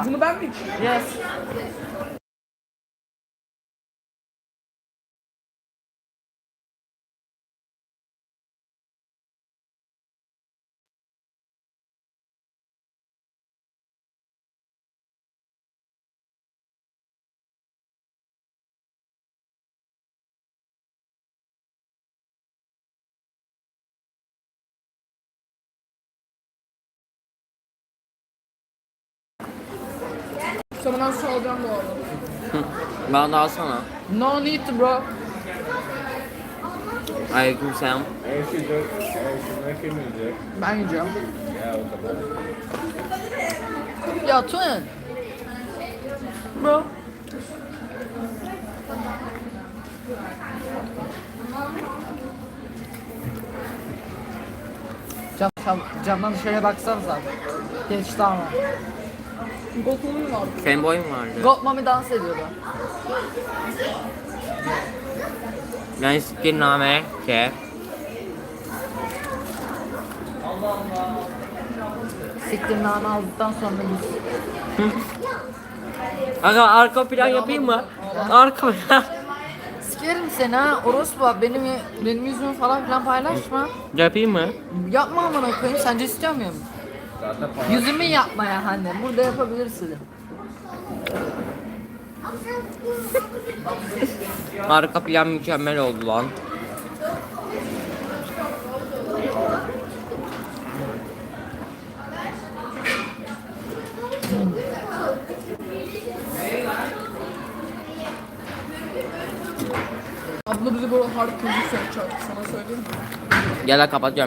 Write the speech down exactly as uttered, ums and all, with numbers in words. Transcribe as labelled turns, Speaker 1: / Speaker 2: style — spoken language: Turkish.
Speaker 1: Bunu ben mi içeyim?
Speaker 2: Yes.
Speaker 1: Sonradan su alacağım bu arada.
Speaker 3: Bana da alsana.
Speaker 1: No need to bro.
Speaker 3: Aleykümselam.
Speaker 4: Eğer şu dört, eğer şunlar kim yiyecek?
Speaker 1: Ben yiyeceğim.
Speaker 4: Ya o kadar.
Speaker 1: Ya Twin. Bro.
Speaker 2: Cam, cam, camdan dışarıya baksanıza. Geçti ama.
Speaker 1: Gokulum var.
Speaker 3: Senin boyun vardı.
Speaker 2: Gold Mommy dans ediyordu.
Speaker 3: Ben siktir name ke.
Speaker 2: Siktirname aldıktan sonra biz.
Speaker 3: Aga arka plan yapayım mı? Arka plan.
Speaker 2: Sikerim seni ha. Orospu benim benim yüzümü falan filan paylaşma.
Speaker 3: Yapayım mı?
Speaker 2: Yapma amına koyayım. Sence istiyor muyum?
Speaker 4: Zaten para.
Speaker 2: Yüzümü yapmaya hani. Burada yapabilirsin.
Speaker 3: Arka plan mükemmel oldu lan.
Speaker 1: Abla bizi böyle hard müzik yapacak. Sana söyleyeyim mi?
Speaker 3: Gel kapatıyorum.